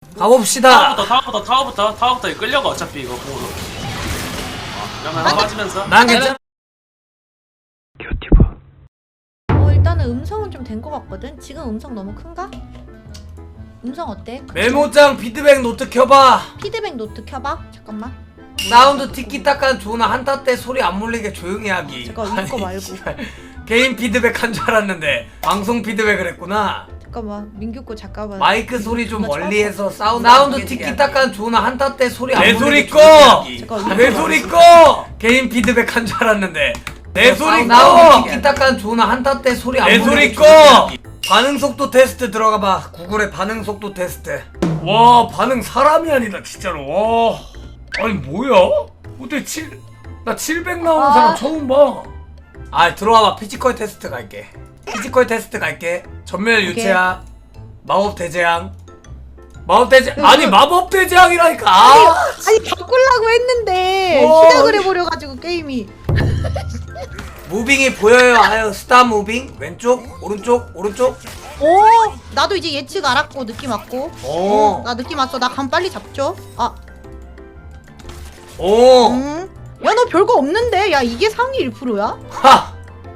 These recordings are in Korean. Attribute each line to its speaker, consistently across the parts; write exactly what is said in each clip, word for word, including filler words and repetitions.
Speaker 1: 가봅시다.
Speaker 2: 타워부터 타워부터 타워부터 타워부터 끌려가 어차피 이거 공으로. 아, 그러면 한 맞으면서.
Speaker 1: 난 괜찮.
Speaker 3: 어 일단은 음성은 좀 된 것 같거든. 지금 음성 너무 큰가? 음성 어때?
Speaker 1: 메모장 피드백 노트 켜봐.
Speaker 3: 피드백 노트 켜봐. 잠깐만.
Speaker 1: 사운드 티키타카는 좋으나 한타 때 소리 안 몰리게 조용히 하기.
Speaker 3: 잠깐 이거 말고.
Speaker 1: 개인 피드백 한 줄 알았는데 방송 피드백을 했구나.
Speaker 3: 잠깐만 민규 거 잠깐만.
Speaker 1: 마이크 소리 좀
Speaker 3: 존나
Speaker 1: 멀리해서 사운드 사운드 티키타카는 좋으나 한타 때 소리 안
Speaker 4: 내
Speaker 1: 몰리게
Speaker 4: 소리 꺼!
Speaker 1: 조용히 하기.
Speaker 3: 잠깐
Speaker 1: 내
Speaker 3: 이거
Speaker 1: 소리 꺼! 개인 피드백 한 줄 알았는데 내 소리 꺼! 사운드 티키타카는 좋으나 한타 때 소리 안
Speaker 4: 내
Speaker 1: 몰리게
Speaker 4: 소리 꺼!
Speaker 1: 조용히 하기. 반응 속도 테스트 들어가봐. 구글의 반응 속도 테스트.
Speaker 4: 와 반응 사람이 아니다 진짜로. 와 아니 뭐야? 어떻게 칠... 나 칠백 나오는
Speaker 3: 아.
Speaker 4: 사람 처음 봐.
Speaker 1: 아 들어와봐. 피지컬 테스트 갈게. 피지컬 테스트 갈게. 전멸 유체야. 마법 대재앙. 마법 대재 아니 마법 대재앙이라니까. 아,
Speaker 3: 아니 바꾸려고 했는데
Speaker 1: 와,
Speaker 3: 시작을
Speaker 1: 아니.
Speaker 3: 해버려가지고 게임이.
Speaker 1: 무빙이 보여요. 아유 스타 무빙. 왼쪽 오른쪽 오른쪽.
Speaker 3: 오 나도 이제 예측 알았고 느낌 왔고.
Speaker 1: 오.
Speaker 3: 나 느낌 왔어. 나 감 빨리 잡죠. 아
Speaker 1: 오.
Speaker 3: 음. 야 너 별거 없는데. 야 이게 상위 일 퍼센트야?
Speaker 1: 하.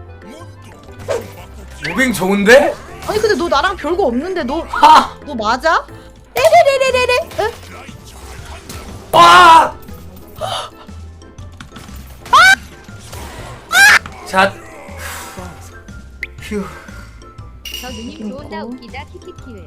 Speaker 1: 무빙 좋은데?
Speaker 3: 아니 근데 너 나랑 별거 없는데 너 너
Speaker 1: 하.
Speaker 3: 맞아? 레레레레레레. 응?
Speaker 1: 와. 자. 휴.
Speaker 5: 저 누님 좋은다 웃기다 키키키을.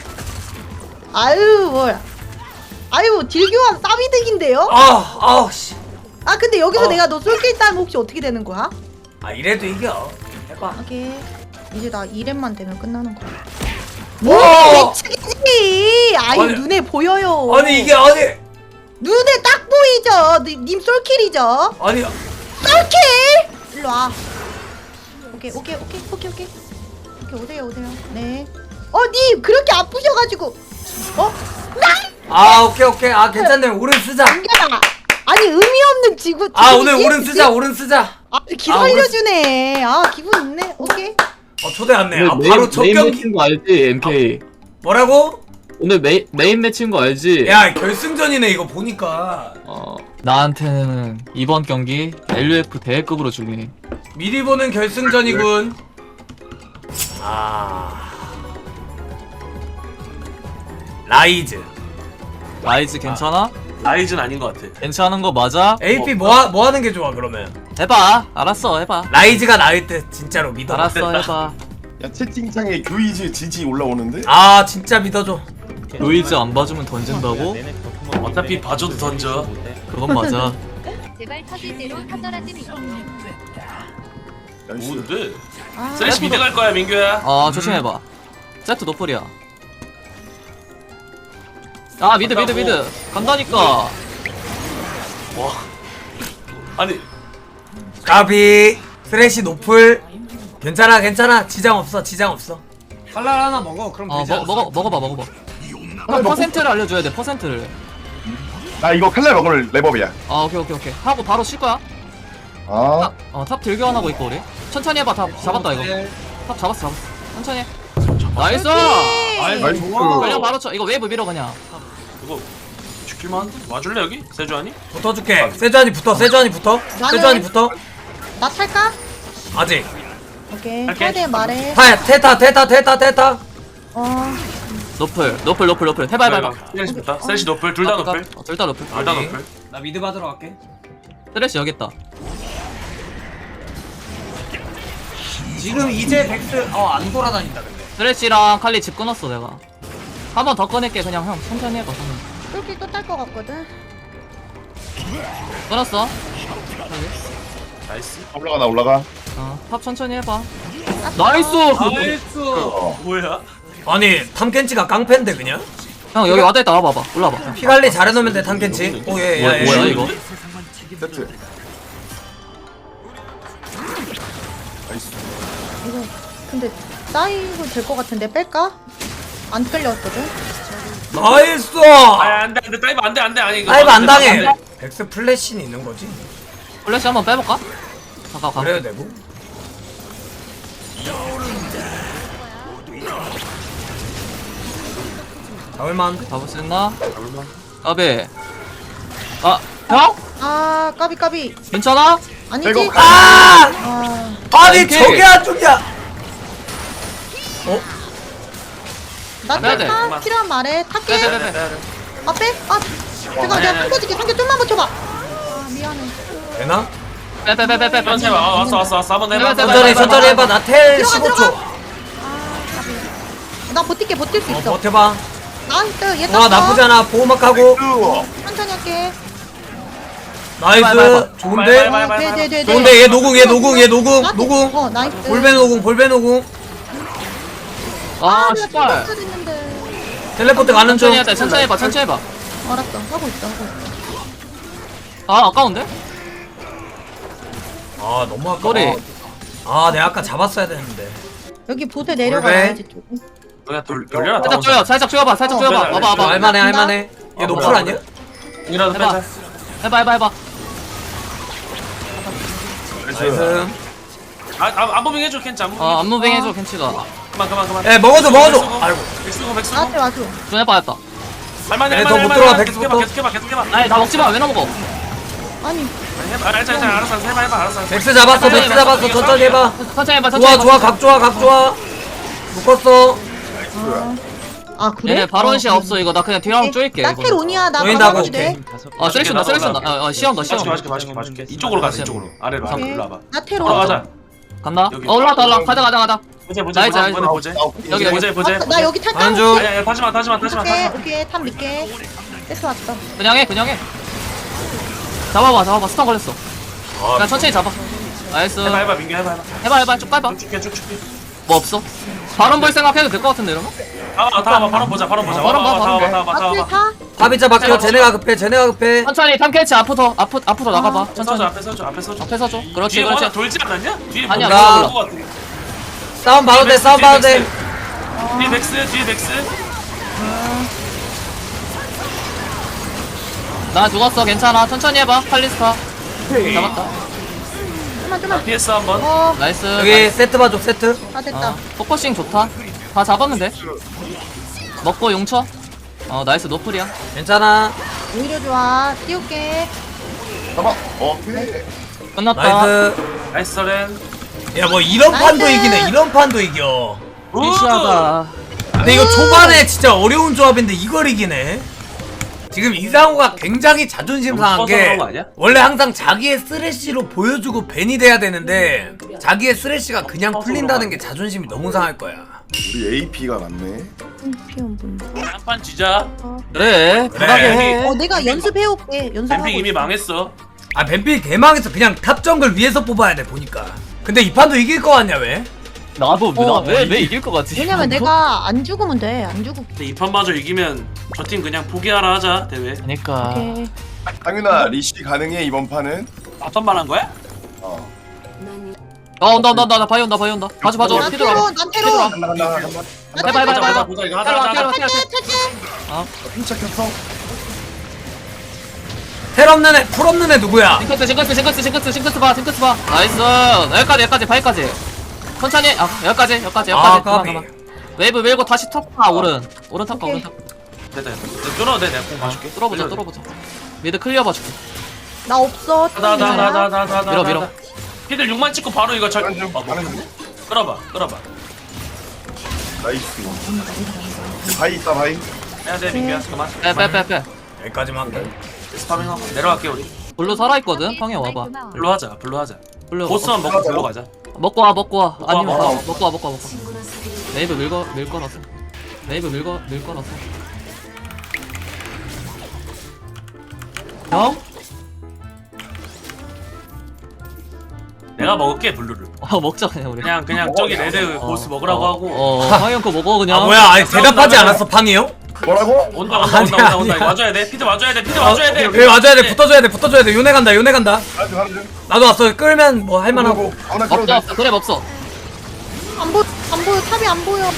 Speaker 3: 아유 뭘. 아유 딜교환 싸비득인데요?
Speaker 1: 아, 아우 씨.
Speaker 3: 아 근데 여기서
Speaker 1: 어.
Speaker 3: 내가 너 쏠게 있다면 혹시 어떻게 되는 거야?
Speaker 1: 아 이래도 이겨. 해봐.
Speaker 3: 오케이. 이제 나 이 렙만 되면 끝나는 거야.
Speaker 1: 와.
Speaker 3: 예측이지. 아이
Speaker 1: 아니,
Speaker 3: 눈에 보여요.
Speaker 1: 아니 이게 아니
Speaker 3: 눈에 딱 보이죠. 니- 님 솔킬이죠.
Speaker 1: 아니
Speaker 3: 솔킬. 일로 와. 오케이 오케이 오케이 오케이 오케이 오케이 오세요 오세요. 네. 어 님 그렇게 아프셔가지고. 어? 나
Speaker 1: 아 오케이 오케이 아 괜찮네. 오른 쓰자.
Speaker 3: 안겨라. 아니 의미 없는 지구.
Speaker 1: 아
Speaker 3: 지구지?
Speaker 1: 오늘 오른 쓰자 오른 쓰자.
Speaker 3: 아 기
Speaker 1: 아, 오른-
Speaker 3: 살려주네. 아 기분 있네. 오케이.
Speaker 1: 어 초대 왔네. 아
Speaker 6: 오늘
Speaker 1: 바로
Speaker 6: 메인,
Speaker 1: 첫
Speaker 6: 메인
Speaker 1: 경기.
Speaker 6: 매치인 거 알지 엠케이?
Speaker 1: 뭐라고?
Speaker 6: 오늘 메인 메인 매치인 거 알지?
Speaker 1: 야 결승전이네 이거 보니까.
Speaker 6: 어 나한테는 이번 경기 엘유에프 대회급으로 줄리니.
Speaker 1: 미리 보는 결승전이군. 아 라이즈.
Speaker 6: 라이즈 괜찮아?
Speaker 2: 라이즈는 아닌 것 같아.
Speaker 6: 괜찮은 거 맞아?
Speaker 1: 에이피 뭐, 하, 뭐 하는 게 좋아 그러면?
Speaker 6: 해봐. 알았어 해봐.
Speaker 1: 라이즈가 나을 때 진짜로 믿어.
Speaker 6: 알았어 해봐.
Speaker 7: 야 채팅창에 교이즈 지지 올라오는데?
Speaker 1: 아 진짜 믿어줘.
Speaker 6: 노이즈 안 봐주면 던진다고?
Speaker 2: 어차피 봐줘도 던져.
Speaker 6: 그건 맞아.
Speaker 5: 제발 터질 대로 터져라지 미.
Speaker 7: 나이스.
Speaker 2: 뭔데?
Speaker 3: 아,
Speaker 2: 쓰레쉬 미드 갈 거야 민규야.
Speaker 6: 아 조심해봐. 세트 노플이야. 아 미드 미드 미드 간다니까.
Speaker 2: 와. 아니
Speaker 1: 까비 쓰레쉬 노플. 괜찮아 괜찮아 지장 없어 지장 없어. 칼날 하나 먹어 그럼
Speaker 6: 어
Speaker 1: 되지
Speaker 6: 먹,
Speaker 1: 않았어?
Speaker 6: 먹어 먹어봐 먹어봐. 형 퍼센트를 알려줘야 돼 퍼센트를.
Speaker 7: 나 이거 칼날 먹을 레버비야.
Speaker 6: 아 오케이 오케이 오케이 하고 바로 쉴 거야.
Speaker 7: 아,
Speaker 6: 어탑 들교환하고 있고 우리 천천히 해봐. 탑 잡았다 이거. 탑 잡았어 잡았어. 천천히 해. 나이스.
Speaker 7: 나이스.
Speaker 6: 그냥 바로 쳐. 이거 웨이브 밀어 그냥.
Speaker 2: 이거 죽길만 한데? 와줄래 여기? 세주하니?
Speaker 1: 붙어줄게. 세주한이 붙어 세주한이 붙어.
Speaker 3: 나는-
Speaker 1: 세주한이 붙어.
Speaker 3: 나 탈까?
Speaker 1: 아직.
Speaker 3: 오케이.
Speaker 2: 할게.
Speaker 3: 탈대 말해.
Speaker 1: 타 테타 테타 테타 테타.
Speaker 3: 어.
Speaker 6: 노플 노플 노플 노플 해봐 해봐 해봐.
Speaker 2: 쓰레쉬부터. 쓰레쉬 노플 둘 다 노플.
Speaker 6: 어, 둘다 노플.
Speaker 2: 둘 다 노플.
Speaker 1: 나 미드 받으러 갈게.
Speaker 6: 쓰레쉬 여기 있다.
Speaker 1: 지금 이제 백스 어안 돌아다닌다 근데.
Speaker 6: 쓰레쉬랑 칼리 집 끊었어 내가. 한 번 더 꺼낼게 그냥 형 천천히 해봐. 형은.
Speaker 3: 솔킬 또 탈 것 같거든.
Speaker 6: 끊었어.
Speaker 2: 나이스.
Speaker 7: 올라가 나 올라가.
Speaker 6: 어탑 천천히 해봐. 나이스.
Speaker 1: 나이스.
Speaker 7: 어.
Speaker 2: 뭐야?
Speaker 1: 아니 탐켄치가 깡패인데 그냥?
Speaker 6: 형 여기 와다 있다 와봐봐. 올라봐.
Speaker 1: 피 관리 잘해놓으면 돼 탐켄치. 오예
Speaker 6: 뭐야,
Speaker 1: 예.
Speaker 6: 뭐야
Speaker 1: 예.
Speaker 6: 이거?
Speaker 7: 세트. 나이스.
Speaker 3: 이거 근데 쌓이고 될 것 같은데 뺄까? 안 끌렸거든.
Speaker 1: 나이스.
Speaker 2: 아 안돼 안돼 다이브 안돼 안돼 아니 이거
Speaker 1: 다이브 안 당해.
Speaker 2: 안 돼.
Speaker 1: 백스 플래시는 있는 거지.
Speaker 6: 플래시 한번 빼볼까? 잠깐 가.
Speaker 1: 그래도 되고. 잡을만한데?
Speaker 6: 잡을 수 있나?
Speaker 2: 얼마?
Speaker 6: 까비. 아, 형?
Speaker 3: 아 까비 까비.
Speaker 6: 괜찮아?
Speaker 3: 아니지.
Speaker 7: 이거
Speaker 1: 아!
Speaker 3: 아
Speaker 1: 아니
Speaker 6: 오케이.
Speaker 1: 저게 안 죽냐? 어?
Speaker 6: 빼야 돼.
Speaker 3: 나타 필요한 말에
Speaker 6: 빼,
Speaker 3: 탈게.
Speaker 6: 빼, 빼, 빼.
Speaker 3: 아 빼? 아 잠깐
Speaker 2: 아니,
Speaker 3: 내가
Speaker 2: 아니.
Speaker 3: 상겨줄게. 상겨 좀만 버텨봐. 아 미안해.
Speaker 1: 되나?
Speaker 6: 빼, 빼, 빼, 빼, 빼, 빼.
Speaker 2: 천천히 와. 어, 왔어 왔어 왔어 한번 해봐.
Speaker 6: 해봐, 해봐,
Speaker 1: 천천히
Speaker 6: 해봐,
Speaker 1: 천천히 해봐. 나 텔
Speaker 3: 들어가,
Speaker 1: 십오 초.
Speaker 3: 들어가. 아 까비. 나 버틸게 버틸 수
Speaker 1: 어
Speaker 3: 있어.
Speaker 1: 버텨봐.
Speaker 3: 나이스 얘
Speaker 1: 와
Speaker 3: 땄어.
Speaker 1: 나쁘지 않아. 보호막 하고.
Speaker 3: 천천히 할게.
Speaker 1: 나이스.
Speaker 6: 해봐, 해봐.
Speaker 1: 좋은데?
Speaker 2: 해봐, 해봐.
Speaker 3: 네네네.
Speaker 1: 좋은데 얘 노궁 얘 노궁 얘 노궁 노궁.
Speaker 3: 어 나이스.
Speaker 1: 볼베 노궁 볼베 노궁.
Speaker 6: 아,
Speaker 3: 내가
Speaker 6: 씨발.
Speaker 3: 죽었어야 됐는데.
Speaker 1: 텔레포트 가는 중.
Speaker 6: 천천히 해야 돼, 천천히 해봐, 천천히 해봐.
Speaker 3: 알았어 하고 있어 하고 있어.
Speaker 6: 아, 아까운데?
Speaker 1: 아 너무 아까워.
Speaker 6: 꼬리.
Speaker 1: 아 내가 아까 잡았어야 되는데.
Speaker 3: 여기 보드 내려가야지 좀.
Speaker 2: 그냥 돌 돌려라.
Speaker 6: 살짝 쪼여, 살짝 쪼여봐, 살짝
Speaker 3: 어,
Speaker 6: 쪼여봐.
Speaker 2: 그래,
Speaker 6: 와봐,
Speaker 2: 그래.
Speaker 6: 와봐.
Speaker 1: 할만해 할만해. 얘
Speaker 2: 아,
Speaker 1: 노플
Speaker 2: 뭐야.
Speaker 1: 아니야?
Speaker 2: 이라도
Speaker 6: 해봐.
Speaker 2: 빼자.
Speaker 6: 해봐, 해봐, 해봐.
Speaker 1: 나이스.
Speaker 2: 아안 보빙 해줘 켄치 안 보빙.
Speaker 6: 어, 안무빙 해줘, 켄치가.
Speaker 2: 그만 그만 그만.
Speaker 1: 에 먹어줘 먹어줘. 아이고.
Speaker 2: 백수고 백수고.
Speaker 3: 나한테 와줘.
Speaker 6: 좀 해봐야겠다.
Speaker 2: 할만해
Speaker 1: 네,
Speaker 2: 할만해.
Speaker 1: 더못
Speaker 2: 할만해.
Speaker 1: 들어와,
Speaker 2: 계속 해봐
Speaker 1: 백수부터.
Speaker 2: 계속 해봐 계속 해봐.
Speaker 6: 아니, 나 먹지 마, 왜 나 먹어?
Speaker 3: 아니
Speaker 2: 아니, 해봐. 알았어 알았어 알았어 해봐 해봐 알았어. 알았어.
Speaker 1: 백스 잡았어 백스 잡았어 천천히 해봐.
Speaker 6: 천천히 해봐, 천천히
Speaker 1: 좋아
Speaker 6: 해봐.
Speaker 1: 좋아 각 좋아 각 좋아. 묶었어.
Speaker 3: 아 그래?
Speaker 6: 얘네 바론시
Speaker 3: 어,
Speaker 6: 없어, 이거. 나 그냥 뒤로 한번 쪼일게.
Speaker 3: 나 테론이야 나
Speaker 1: 조인다고
Speaker 3: 바로 돼.
Speaker 1: 오케이.
Speaker 6: 아, 쓰레기 쓴다, 쓰레기 쓴다. 어, 어, 시험다, 시험.
Speaker 2: 맞줄게 맞줄게 맞줄게 맞줄게. 이쪽으로 가자 이쪽으로. 아래로 아래로 일로 와봐.
Speaker 3: 나 테론.
Speaker 2: 올라가자.
Speaker 6: 간다?
Speaker 2: 여기.
Speaker 6: 어, 올라왔다, 올라. 가자, 가자, 가자.
Speaker 2: 보자 보자
Speaker 6: 나이스,
Speaker 2: 보자
Speaker 6: 나이스.
Speaker 2: 보자 보자.
Speaker 6: 여기, 여기.
Speaker 2: 보자 보자.
Speaker 3: 아, 나 여기 탈까?
Speaker 1: 가는 중.
Speaker 2: 아야 타지마 타지마 타지마
Speaker 3: 오케이
Speaker 2: 타지마.
Speaker 3: 오케이 탑 믿게. 세트 왔어.
Speaker 6: 그냥 해, 그냥 해. 잡아봐, 잡아봐. 스턴 걸렸어. 그냥 천천히 잡아. 나이스.
Speaker 2: 해봐 해봐 민규 해봐 해봐.
Speaker 6: 해봐, 해봐. 쭉 가봐.
Speaker 2: 쭉 줄게 쭉 줄게.
Speaker 6: 뭐 없어? 바론 볼 생각해도 될 것 같은데, 이러면?
Speaker 2: 다와 다와 바로 보자 바로 보자.
Speaker 6: 어, 바로 봐, 바로
Speaker 2: 다와
Speaker 6: 봐.
Speaker 2: 다와
Speaker 3: 앞을
Speaker 2: 다와.
Speaker 3: 타.
Speaker 1: 파비자 바뀌어 쟤네가 급해 쟤네가 급해.
Speaker 6: 천천히 탐캐치 앞부터, 앞부, 앞부터 나가봐.
Speaker 2: 서줘
Speaker 6: 천천히.
Speaker 2: 앞에 서줘 앞에 서줘.
Speaker 6: 앞에 서줘. 그렇지,
Speaker 2: 뒤에
Speaker 6: 그렇지.
Speaker 2: 뭐가 돌지 않았냐? 뒤에
Speaker 6: 아니야,
Speaker 2: 뭔가
Speaker 1: 몰라.
Speaker 2: 올것 같아.
Speaker 1: 싸움 봐도 돼 싸움 봐도 돼.
Speaker 2: 뒤에 백스 뒤에 백스.
Speaker 6: 나 죽었어, 괜찮아. 천천히 해봐. 칼리스타. 잡았다.
Speaker 3: 좀만 좀만.
Speaker 2: 피에스 한번.
Speaker 3: 어,
Speaker 6: 나이스.
Speaker 1: 여기 세트 봐줘 세트.
Speaker 3: 아 됐다.
Speaker 6: 어, 포커싱 좋다. 다 잡았면 돼. 먹고 용쳐. 어, 나이스 노플이야.
Speaker 1: 괜찮아.
Speaker 3: 오히려 좋아. 띄울게.
Speaker 7: 잡아. 오케이.
Speaker 6: 끝났다.
Speaker 1: 나이스.
Speaker 2: 나이스 서렌.
Speaker 1: 야 뭐 이런
Speaker 3: 나이스.
Speaker 1: 판도 이기네 이런 판도 이겨.
Speaker 6: 리시하다.
Speaker 1: 근데 이거 초반에 진짜 어려운 조합인데 이걸 이기네. 지금 이상호가 굉장히 자존심
Speaker 2: 너무
Speaker 1: 상한
Speaker 2: 커서
Speaker 1: 게
Speaker 2: 그런 거 아니야?
Speaker 1: 원래 항상 자기의 쓰레쉬로 보여주고 벤이 돼야 되는데 자기의 쓰레쉬가 그냥
Speaker 2: 커서
Speaker 1: 풀린다는
Speaker 2: 그런
Speaker 1: 게 자존심이 너무 상할 거야.
Speaker 7: 우리 에이피가 많네.
Speaker 3: 피온 분.
Speaker 2: 한판 지자.
Speaker 6: 그래, 편하게 해.
Speaker 3: 어 내가 연습해올게. 연습하고.
Speaker 2: 뱀픽 이미
Speaker 3: 있어.
Speaker 2: 망했어.
Speaker 1: 아 벤필 개망해서 그냥 탑 정글 위에서 뽑아야 돼 보니까. 근데 이 판도 이길 거 같냐 왜?
Speaker 6: 나도,
Speaker 3: 어,
Speaker 6: 나 왜, 왜 이길 것 같지?
Speaker 3: 왜냐면 내가 안 죽으면 돼. 안 죽고.
Speaker 2: 근데 이 판마저 이기면 저 팀 그냥 포기하라 하자 대회.
Speaker 6: 그니까.
Speaker 3: 오케이.
Speaker 7: 당윤아 리시 가능해 이번 판은?
Speaker 2: 앞판만 한 거야?
Speaker 7: 어.
Speaker 6: 어, 온다, 온다, 온다. 나 바이 온다, 바이 온다. 봐줘, 봐줘.
Speaker 3: 난
Speaker 6: 피드라.
Speaker 3: 테론. 난 테론.
Speaker 7: 간다 간다 간다.
Speaker 3: 나
Speaker 6: 해봐, 해봐,
Speaker 3: 테론.
Speaker 6: 해봐.
Speaker 2: 보자 이거 하자
Speaker 6: 테러,
Speaker 2: 하자
Speaker 6: 테러,
Speaker 2: 하자.
Speaker 6: 테러.
Speaker 3: 탈게 탈게.
Speaker 7: 핀착했어.
Speaker 1: 텔 없는 애, 풀 없는 애 누구야?
Speaker 6: 징크스, 징크스, 징크스, 징크스, 징크스 봐, 징크스 봐. 나이스. 여기까지, 여기까지, 바이까지. 천천히. 아, 여기까지, 여기까지,
Speaker 1: 아
Speaker 6: 여기까지. 그만,
Speaker 1: 까비.
Speaker 6: 그만. 웨이브 밀고 다시 탑. 아, 오른. 오른 탑 가,
Speaker 3: 오케이.
Speaker 6: 오른 탑.
Speaker 2: 됐다 됐다. 뚫어도 돼 내가 공 봐줄게.
Speaker 6: 뚫어보자, 뚫어보자. 미드 클리어 봐줄게.
Speaker 3: 나 없어.
Speaker 2: 나나나나나나
Speaker 6: 밀어, 밀어.
Speaker 2: 피들 육만 찍고 바로 이거 절.
Speaker 7: 가는 중.
Speaker 2: 어, 뭐.
Speaker 7: 가는 중.
Speaker 2: 끌어봐 끌어봐.
Speaker 7: 나이스. 바이 있다 바이.
Speaker 2: 해야 돼 민규야 그만.
Speaker 6: 빼, 빼, 빼, 빼.
Speaker 1: 여기까지만 할게.
Speaker 2: 스파밍하고 내려갈게 우리.
Speaker 6: 블루 살아있거든? 평에 와봐.
Speaker 2: 블루 하자 블루 하자.
Speaker 6: 블루.
Speaker 2: 보스만 먹고 블루 가자.
Speaker 6: 먹고 와, 먹고 와. 아니면
Speaker 2: 먹고
Speaker 6: 가.
Speaker 2: 와.
Speaker 6: 먹고 와, 먹고 와, 먹고 와. 네이브 밀거, 밀 거라서. 네이브 밀거, 밀 거라서. 형?
Speaker 2: 내가 먹을게 블루를.
Speaker 6: 어, 먹자, 그냥 우리.
Speaker 2: 그냥 그냥 저기 레드 보스 먹으라고
Speaker 6: 어,
Speaker 2: 하고.
Speaker 6: 어, 황형 거 먹어, 그냥.
Speaker 1: 아 뭐야? 아니 대답하지 않았어 팡이 형?
Speaker 7: 뭐라고?
Speaker 2: 온다 온다
Speaker 1: 아니야,
Speaker 2: 온다 온다 온다.
Speaker 1: 아니야.
Speaker 2: 와줘야 돼. 피드 와줘야 돼. 피드 와줘야 돼.
Speaker 1: 여기 와줘야 돼. 붙어줘야 돼. 붙어줘야 돼. 요네 간다. 요네 간다.
Speaker 7: 가는 중 가는 중.
Speaker 1: 나도 왔어. 끌면 뭐 할만하고.
Speaker 7: 아무나
Speaker 6: 없어,
Speaker 7: 끌어도
Speaker 6: 없어. 그래, 없어.
Speaker 3: 안 보, 안 보여. 탑이 안 보여.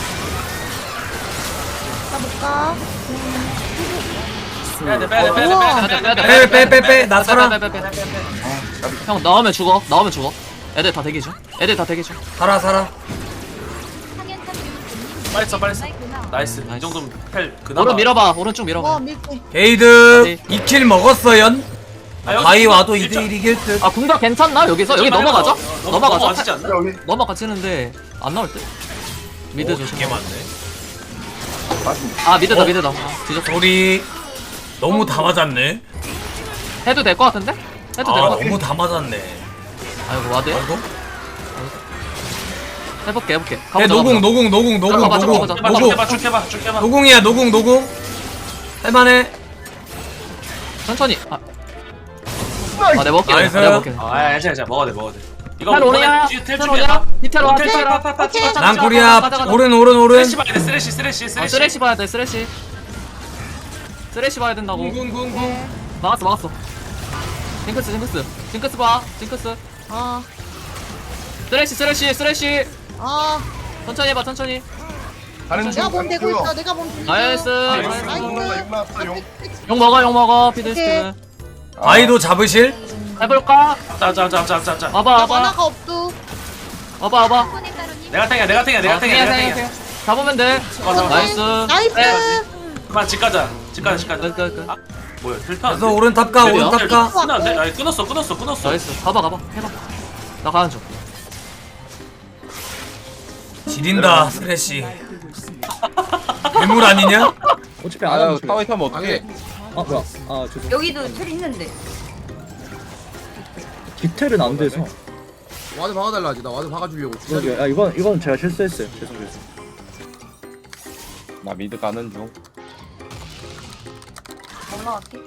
Speaker 3: 나 못 가.
Speaker 2: 빼야 돼 빼야 돼 빼야 돼
Speaker 3: 우와.
Speaker 2: 빼야 돼 빼야 돼.
Speaker 1: 빼 빼 빼 빼. 나 살아.
Speaker 6: 빼, 빼, 빼, 빼, 빼. 형, 나오면 죽어. 나오면 죽어. 애들 다 대기 중. 애들 다 대기 중.
Speaker 1: 살아 살아.
Speaker 2: 빨리 써 빨리 써. 나이스. 이
Speaker 6: 나이스.
Speaker 2: 정도면 펠 그나마.
Speaker 6: 오른 밀어봐. 오른 쭉 밀어봐.
Speaker 3: 와 밀게.
Speaker 1: 게이드 이 킬 먹었어연.
Speaker 2: 아, 여기
Speaker 1: 바위 와도
Speaker 2: 일점-
Speaker 1: 이 대 일 이길 듯.
Speaker 6: 아 궁각 괜찮나 여기서? 여기
Speaker 2: 일점만
Speaker 6: 넘어가죠?
Speaker 2: 해봐. 어, 넘-
Speaker 6: 넘어가죠?
Speaker 2: 넘어가지지 않나?
Speaker 7: 여기
Speaker 6: 넘어가지는데 안 나올 듯? 미드
Speaker 2: 오,
Speaker 6: 조심.
Speaker 2: 개 많네.
Speaker 7: 맞습니다.
Speaker 6: 아 미드다
Speaker 1: 어?
Speaker 6: 미드다. 아, 뒤졌어.
Speaker 1: 우리 너무 다 맞았네.
Speaker 6: 해도 될 것 같은데? 해도
Speaker 1: 아
Speaker 6: 될 것 같아.
Speaker 1: 너무 다 맞았네.
Speaker 6: 아이고 와드.
Speaker 1: 아이고.
Speaker 6: 해볼게 해볼게.
Speaker 1: 야,
Speaker 6: 가보자,
Speaker 1: 노궁
Speaker 6: 가보자.
Speaker 1: 노궁 노궁 노궁
Speaker 6: 가보자,
Speaker 1: 노궁
Speaker 6: 가보자.
Speaker 2: 해봐, 쭉
Speaker 1: 노궁
Speaker 2: 해봐, 쭉 해봐, 쭉 해봐.
Speaker 1: 노궁이야 노궁 노궁. 할만해.
Speaker 6: 천천히. 아, 아 내가 먹게.
Speaker 1: 나이스.
Speaker 6: 내가 먹게.
Speaker 2: 아, 야, 괜찮아, 괜찮아. 먹어야 돼, 먹어야 돼. 이거
Speaker 6: 텔 오냐?
Speaker 2: 텔
Speaker 6: 텔
Speaker 2: 준비해.
Speaker 6: 오냐? 디테일 와.
Speaker 2: 텔
Speaker 6: 디테일 와.
Speaker 2: 파, 파, 파, 찍어, 찍어,
Speaker 1: 난
Speaker 2: 찍어.
Speaker 1: 코리아
Speaker 6: 가자, 가자.
Speaker 1: 오른 오른 오른.
Speaker 2: 쓰레쉬 봐야 돼, 쓰레쉬, 쓰레쉬,
Speaker 6: 아,
Speaker 2: 쓰레쉬.
Speaker 6: 쓰레쉬 봐야 돼 쓰레쉬. 쓰레쉬 봐야 된다고.
Speaker 1: 궁궁궁궁.
Speaker 6: 막았어 막았어. 징크스 징크스 징크스 봐 징크스.
Speaker 3: 아
Speaker 6: 쓰레쉬 쓰레쉬 쓰레쉬.
Speaker 3: 아.
Speaker 6: 천천히 해봐 천천히.
Speaker 7: 가는 중.
Speaker 3: 내가 몸 대고
Speaker 7: 가는
Speaker 3: 있어.
Speaker 7: 중.
Speaker 3: 내가 몸 대고 있어.
Speaker 6: 나이스.
Speaker 7: 나이스.
Speaker 3: 나이스.
Speaker 7: 용 나왔어, 용.
Speaker 6: 욕 먹어 욕 먹어 피드스틱은.
Speaker 1: 바위도 잡으실?
Speaker 6: 해볼까?
Speaker 2: 자, 자, 자, 자, 자, 자.
Speaker 6: 와봐
Speaker 3: 나
Speaker 6: 와봐
Speaker 3: 만화가 없어.
Speaker 6: 와봐 와봐.
Speaker 5: 손에 따로님
Speaker 2: 내가 탱이야, 내가 탱이야, 내가
Speaker 6: 어,
Speaker 2: 탱이야, 내가
Speaker 6: 탱이야,
Speaker 2: 탱이야.
Speaker 6: 탱이야. 잡으면 돼.
Speaker 2: 맞아, 맞아.
Speaker 6: 나이스.
Speaker 3: 나이스.
Speaker 6: 네.
Speaker 2: 그만 집 가자, 집 가자, 집 가자.
Speaker 6: 끝, 끝, 끝.
Speaker 2: 아, 뭐야, 필파.
Speaker 1: 그래서 오른 탑가 오른 탑가.
Speaker 2: 끊었네. 아니, 끊었어, 끊었어, 끊었어.
Speaker 6: 나이스. 가봐 가봐 해봐. 나 가는 중.
Speaker 1: 지린다 쓰레쉬. 괴물 아니냐?
Speaker 8: 어차피 안 하면 타워에 타면 어떡해?
Speaker 9: 아 뭐야? 아 죄송.
Speaker 5: 여기도 텔 있는데.
Speaker 9: 디테일은 안 돼서.
Speaker 8: 와드 박아달라 하지. 나 와드 박아주려고.
Speaker 9: 그러게. 아 이건 이건 제가 실수했어요. 죄송 죄송.
Speaker 8: 나 미드 가는 중.
Speaker 5: 올라갈게.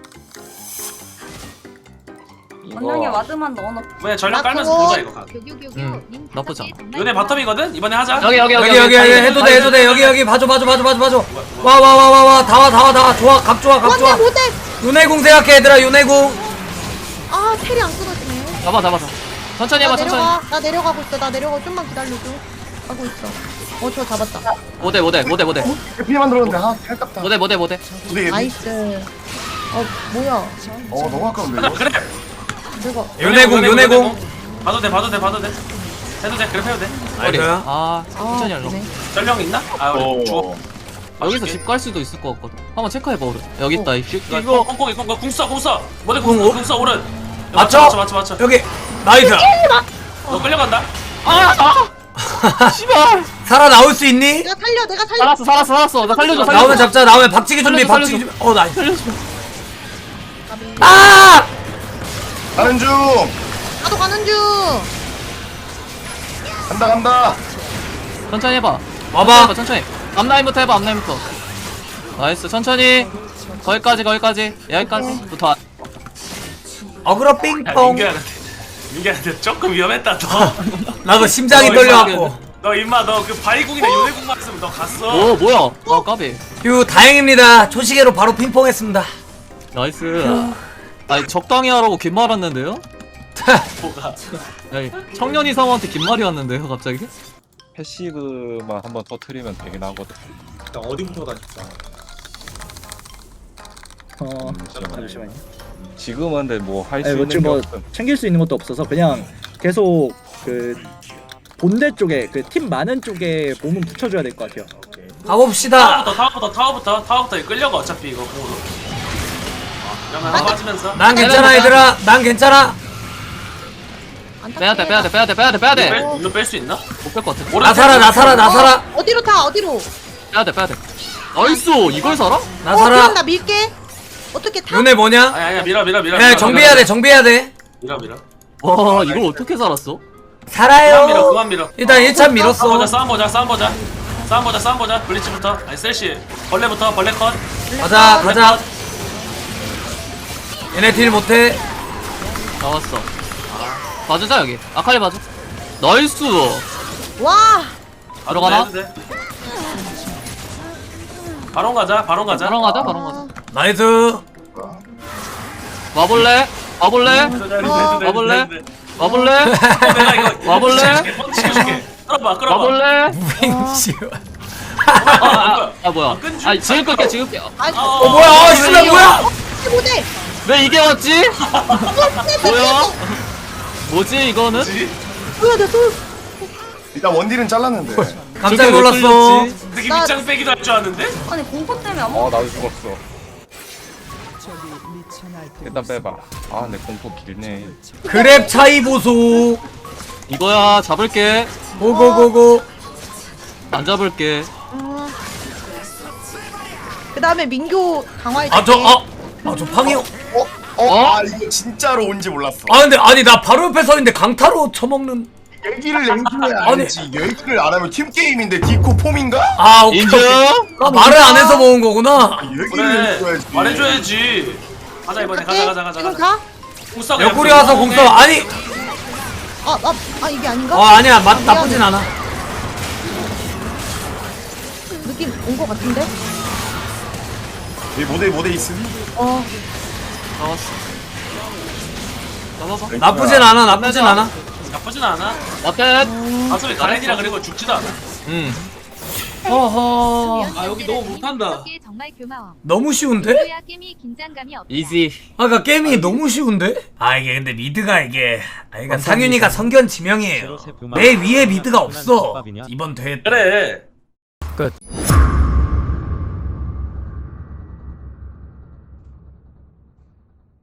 Speaker 8: 이거
Speaker 5: 원영이 와드만 넣어놓고.
Speaker 2: 왜 전력
Speaker 3: 나
Speaker 2: 깔면서
Speaker 3: 그거-
Speaker 2: 보자, 이거. 가.
Speaker 5: 교교교교.
Speaker 6: 응,
Speaker 5: 님
Speaker 6: 나쁘지
Speaker 5: 다섯 개
Speaker 6: 않아.
Speaker 5: 단발
Speaker 2: 요네 바텀이거든? 이번에 하자.
Speaker 6: 여기 여기 여기
Speaker 1: 여기 여기 여기 해도 돼 해도 돼 여기 여기 봐줘 봐줘 봐줘 봐줘 봐줘. 와 와 와 와 와 다 와 다 와 다 와 좋아 각 좋아 각
Speaker 3: 원래
Speaker 1: 좋아.
Speaker 3: 못해.
Speaker 1: 윤회궁 생각해 얘들아 윤회궁.
Speaker 3: 아 텔이 안 끊어지네.
Speaker 6: 잡아 잡아 잡아. 천천히
Speaker 3: 나
Speaker 6: 해봐 천천히.
Speaker 3: 내려가. 나 내려가고 있어. 나 내려가. 좀만 기다려줘. 하고 있어. 어 저 잡았다.
Speaker 6: 모대 모대 모대 모대
Speaker 7: 피만 들었는데 아 탈깝다.
Speaker 6: 모대 모대 모대.
Speaker 7: 우리
Speaker 3: 나이스. 어 뭐야?
Speaker 7: 어 너무 아까운데 이거.
Speaker 2: 그래.
Speaker 3: 내가
Speaker 1: 윤회궁 윤회궁.
Speaker 2: 봐도 돼, 봐도 돼, 봐도 돼. 해도 돼, 그래 해도 돼.
Speaker 6: 머리.
Speaker 1: 나이스.
Speaker 6: 아
Speaker 3: 아
Speaker 6: 천천히 하려고.
Speaker 3: 그래.
Speaker 2: 전령 있나? 아, 우리 죽어.
Speaker 7: 어.
Speaker 6: 여기서 집 갈 수도 있을 것 같거든. 한번 체크해봐 오른. 여기 있다 이 새끼.
Speaker 2: 이거
Speaker 6: 이거
Speaker 2: 콩콩이 콩콩 궁 써, 궁 써. 뭐래
Speaker 1: 궁,
Speaker 2: 궁,
Speaker 1: 어?
Speaker 2: 궁 써, 오른.
Speaker 1: 맞죠?
Speaker 2: 맞춰, 맞춰, 맞춰.
Speaker 1: 여기 나이스.
Speaker 2: 너 끌려간다.
Speaker 6: 아 씨발.
Speaker 1: 살아 나올 수 있니?
Speaker 3: 내가 살려. 내가 살려.
Speaker 6: 살았어 살았어 살았어. 나 살려줘 살려줘.
Speaker 1: 나오면 잡자 나오면 박치기 준비
Speaker 6: 살려줘,
Speaker 1: 박치기 준비. 어 나이스.
Speaker 6: 살려줘.
Speaker 1: 아!
Speaker 7: 가는 중.
Speaker 3: 나도 가는 중.
Speaker 7: 간다 간다.
Speaker 6: 천천히 해봐.
Speaker 1: 와봐.
Speaker 6: 해봐 천천히. 앞라인부터 해봐 앞라인부터. 나이스 천천히. 거기까지 거기까지 여기까지부터.
Speaker 1: 어그로
Speaker 2: 야,
Speaker 1: 삥뽕.
Speaker 2: 민규한테. 민규한테 조금 위험했다, 너.
Speaker 1: 나도 심장이
Speaker 2: 어,
Speaker 1: 떨려갖고.
Speaker 2: 너 임마, 너 그 바위궁이나 요네궁만 했으면 너 갔어.
Speaker 6: 오 뭐야? 아 까비.
Speaker 1: 휴 다행입니다. 초시계로 바로 핑퐁했습니다.
Speaker 6: 나이스. 아니 적당히 하라고 긴 말 왔는데요?
Speaker 2: 뭐가.
Speaker 6: 아니 청년 이상한테 긴 말이 왔는데요 갑자기?
Speaker 8: 패시브만 한번 터트리면 되긴 하거든.
Speaker 10: 일단 어디부터 가실까?
Speaker 9: 어
Speaker 8: 잠시만요.
Speaker 9: 잠시만요.
Speaker 8: 지금은 근데 뭐 할 수
Speaker 9: 아니 뭐
Speaker 8: 있는 게
Speaker 9: 지금 뭐
Speaker 8: 없음.
Speaker 9: 챙길 수 있는 것도 없어서 그냥 계속 그 본대 쪽에 그 팀 많은 쪽에 몸은 붙여줘야 될 것 같아요.
Speaker 1: 가봅시다.
Speaker 2: 타워부터, 타워부터, 타워부터, 타워부터 이거 끌려가, 어차피 이거 공으로. 그러면 빠지면서.
Speaker 1: 난 괜찮아 얘들아. 난 괜찮아.
Speaker 3: 안 탈게.
Speaker 6: 빼야돼 빼야돼 빼야돼 빼야돼 빼야돼.
Speaker 2: 뺄- 이거 뺄 수 있나?
Speaker 6: 못 뺄 것 같아.
Speaker 2: 오른
Speaker 1: 나 살아 나 살아 나 살아.
Speaker 3: 어디로 타? 어디로?
Speaker 6: 빼야돼 빼야돼. 나이스 이걸 살아?
Speaker 1: 나
Speaker 3: 어, 그럼
Speaker 1: 살아.
Speaker 3: 나 밀게. 어떻게 타?
Speaker 1: 윤회 뭐냐?
Speaker 2: 아니, 아니야, 밀어, 밀어, 밀어.
Speaker 1: 야
Speaker 2: 밀어,
Speaker 1: 정비해야 돼 정비해야 돼.
Speaker 2: 밀어, 밀어.
Speaker 6: 와 이걸 어떻게 살았어?
Speaker 2: 그만 밀어,
Speaker 1: 살아요.
Speaker 2: 그만 밀어.
Speaker 1: 일단 일 차
Speaker 2: 싸움
Speaker 1: 밀었어.
Speaker 2: 보자, 싸움 보자, 싸움 보자. 싸움 보자, 싸움 보자. 블리츠부터. 아니, 셀시. 벌레부터, 벌레 컷.
Speaker 1: 가자 가자. 얘네 딜 못해.
Speaker 6: 나왔어. 봐주자 여기. 아칼리 봐줘. 나이스.
Speaker 3: 와.
Speaker 6: 들어가나?
Speaker 2: 해도 돼. 바론 가자, 바론 가자.
Speaker 6: 바로 가자 바로 가자.
Speaker 1: 나이스.
Speaker 6: 와볼래? 와볼래? 와볼래? 와볼래?
Speaker 2: 내가 이거
Speaker 6: 와볼래?
Speaker 2: 시켜줄게. 끌어봐, 끌어봐.
Speaker 6: 와볼래?
Speaker 1: 무빙치.
Speaker 2: 아, 아,
Speaker 6: 아 뭐야?
Speaker 2: 끈줄.
Speaker 6: 아니 지금 끌게 지금 끌게.
Speaker 3: 아이고.
Speaker 1: 어 뭐야? 아 이수야 뭐야?
Speaker 3: 못해.
Speaker 6: 왜 이게 왔지? 뭐야? 뭐지 이거는?
Speaker 2: 뭐지?
Speaker 3: 뭐야 내 손.
Speaker 7: 일단 원딜은 잘랐는데.
Speaker 1: 깜짝
Speaker 6: 저게 왜
Speaker 1: 놀랐어.
Speaker 6: 끌렸지?
Speaker 2: 되게
Speaker 3: 나-
Speaker 2: 밑장 빼기도 할 줄 아는데?
Speaker 3: 아니 공포 때문에 아무
Speaker 8: 어 나도 죽었어. 일단 빼봐. 아 내 공포 길네.
Speaker 1: 그랩 차이 보소.
Speaker 6: 이거야 잡을게.
Speaker 1: 고고고고.
Speaker 6: 안 잡을게.
Speaker 3: 그 다음에 민규 강화해
Speaker 1: 아 저 아. 아 저 팡이 형.
Speaker 7: 어? 어? 아 이거 진짜로 온지 몰랐어.
Speaker 1: 아 근데 아니 나 바로 옆에 서 있는데 강타로 쳐먹는.
Speaker 7: 얘기를 해줘야
Speaker 1: 아니.
Speaker 7: 알지. 얘기를 안 하면 팀 게임인데 디코 폼인가?
Speaker 1: 아 오케이.
Speaker 6: 인증.
Speaker 1: 오케이. 아, 말을 안 해서 먹은 거구나.
Speaker 7: 얘기를
Speaker 2: 그래
Speaker 7: 해줘야지.
Speaker 2: 말해줘야지. 가자 이번에 가자 가자 가자
Speaker 3: 지금
Speaker 2: 가자.
Speaker 3: 가?
Speaker 2: 공싸
Speaker 1: 옆구리 와서 공써 아니.
Speaker 3: 아, 아, 아 이게 아닌가?
Speaker 1: 어 아니야 맛
Speaker 3: 미안해.
Speaker 1: 나쁘진 않아.
Speaker 3: 느낌 온 거 같은데?
Speaker 7: 이 모델 모델 있음.
Speaker 3: 어
Speaker 6: 잡았어. 잡아봐.
Speaker 1: 나쁘진 않아 나쁘진 않아.
Speaker 2: 나쁘진 않아.
Speaker 6: 마켓.
Speaker 2: 어차피 가렌이라 그리고 죽지도 않아.
Speaker 6: 응.
Speaker 1: 허허.
Speaker 2: 아, 여기 너무 못한다.
Speaker 5: 정말 고마워.
Speaker 1: 너무 쉬운데?
Speaker 5: 그야 게임이 긴장감이 없다.
Speaker 6: 이지.
Speaker 1: 아까 게임이 너무 쉬운데? 아 이게 근데 미드가 이게 아 그러니까 상윤이가 성견 지명이에요. 내 위에 미드가 없어. 이번 대회 때.
Speaker 2: 그래.
Speaker 1: 끝.